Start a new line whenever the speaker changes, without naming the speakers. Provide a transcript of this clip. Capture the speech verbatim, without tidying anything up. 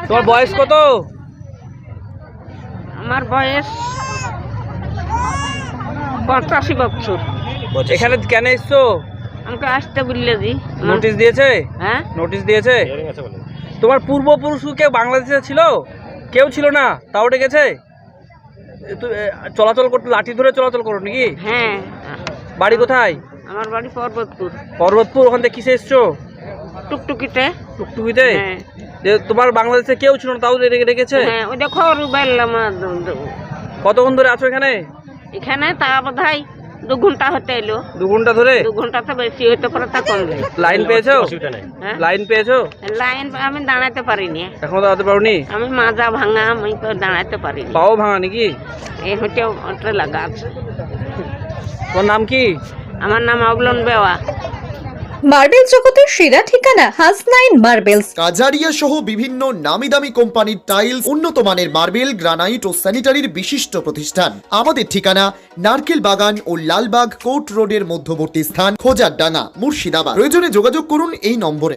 তোমার বয়স কত?
আমার বয়স পঁচাশি বছর।
এখানে কেন এসছো?
আমাকে আসতে বললে জি।
নোটিশ দিয়েছে?
হ্যাঁ,
নোটিশ দিয়েছে। তোমার পূর্বপুরুষ কেউ বাংলাদেশে ছিল? কেউ ছিল না, তাও ডেকেছে? তো- এ, চলাচল করতে লাঠি ধরে চলাচল করো নাকি?
হ্যাঁ।
বাড়ি কোথায়?
আমার বাড়ি পর্বতপুর।
পর্বতপুর। ওখান থেকে কিসে এসছো?
টুকটুকিতে।
টুকটুকিতে?
হ্যাঁ
যে তোমার বাংলাদেশে কেউ ছিল না, তাও ডেকে ডেকেছে?
হ্যাঁ, ওই দেখো রুবেল্লাম।
কতক্ষণ ধরে আছো এখানে?
এখানে তা বোধ হয় দু ঘন্টা হতে এলো।
দু ঘন্টা ধরে?
দু ঘন্টা তো বেশি হইতে পারে, তা কম নেই।
লাইন পেয়েছো?
হ্যাঁ?
লাইন পেয়েছো?
লাইন আমি দাঁড়াতে পারিনি।
এখনো দাঁড়াতে পারোনি?
আমি মাজা ভাঙা, আমি তো দাঁড়াতে পারিনি।
পাও ভাঙা নাকি?
এই হইতে ওটা লাগা আছে।
তোমার নাম কি?
আমার নাম অবলন বেওয়া।
মার্বেল জগতের সেরা ঠিকানা হাসনাইন মার্বেলস।
কাজারিয়া সহ বিভিন্ন নামি দামি কোম্পানির টাইলস, উন্নত মানের মার্বেল, গ্রানাইট ও স্যানিটারির বিশিষ্ট প্রতিষ্ঠান। আমাদের ঠিকানা নারকেল বাগান ও লালবাগ কোর্ট রোডের মধ্যবর্তী স্থান, খোজারডাঙ্গা, মুর্শিদাবাদ। প্রয়োজনে যোগাযোগ করুন এই নম্বরে।